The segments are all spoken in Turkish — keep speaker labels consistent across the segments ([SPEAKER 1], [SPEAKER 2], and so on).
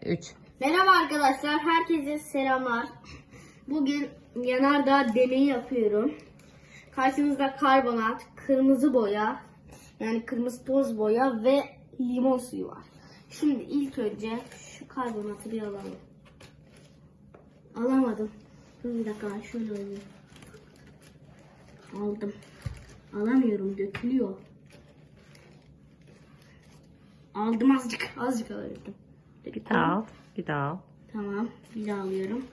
[SPEAKER 1] 3.
[SPEAKER 2] Merhaba arkadaşlar, herkese selamlar. Bugün yanardağ deneyi yapıyorum. Karşınızda karbonat, kırmızı boya, yani kırmızı toz boya ve limon suyu var. Şimdi ilk önce şu karbonatı bir alalım. Alamadım. Dur bir dakika, şöyle alayım. Aldım. Alamıyorum, dökülüyor. Aldım azıcık alabildim.
[SPEAKER 1] Bir daha al. Bir daha al.
[SPEAKER 2] Tamam, bir daha alıyorum.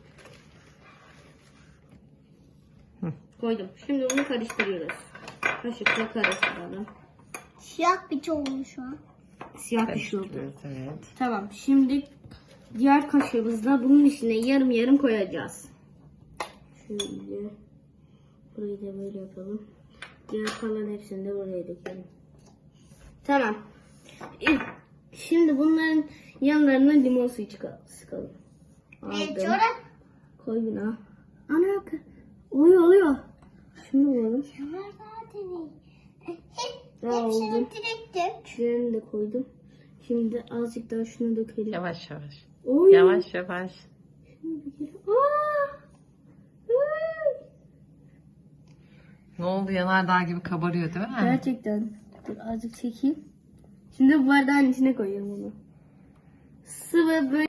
[SPEAKER 1] Hı.
[SPEAKER 2] Koydum. Şimdi bunu karıştırıyoruz. Kaşıkla karıştıralım.
[SPEAKER 3] Siyah bir şey olmuş şu an.
[SPEAKER 2] Siyah bir şey oldu.
[SPEAKER 1] Evet.
[SPEAKER 2] Tamam, şimdi diğer kaşığımızla bunun içine yarım yarım koyacağız. Şöyle burayı da böyle yapalım. Diğer kalan hepsini de buraya dökelim. Tamam. Şimdi bunların yanlarına limon suyu sıkalım. Aldım.
[SPEAKER 3] Sonra
[SPEAKER 2] Koy buna. Ana oluyor. Şunu koyalım.
[SPEAKER 3] yanardağ deneyi.
[SPEAKER 2] Aldım.
[SPEAKER 3] Hepsini direkt dök.
[SPEAKER 2] Diğerini de koydum. Şimdi azıcık daha şunu dökelim.
[SPEAKER 1] Yavaş yavaş.
[SPEAKER 2] Oy.
[SPEAKER 1] Yavaş yavaş.
[SPEAKER 2] Şunu dökelim. Aa! Ay!
[SPEAKER 1] Ne oldu? Yanardağ gibi kabarıyor değil mi?
[SPEAKER 2] Gerçekten. Dur azıcık çekeyim. Şimdi bu bardağın içine koyuyorum bunu. Sıvı böyle.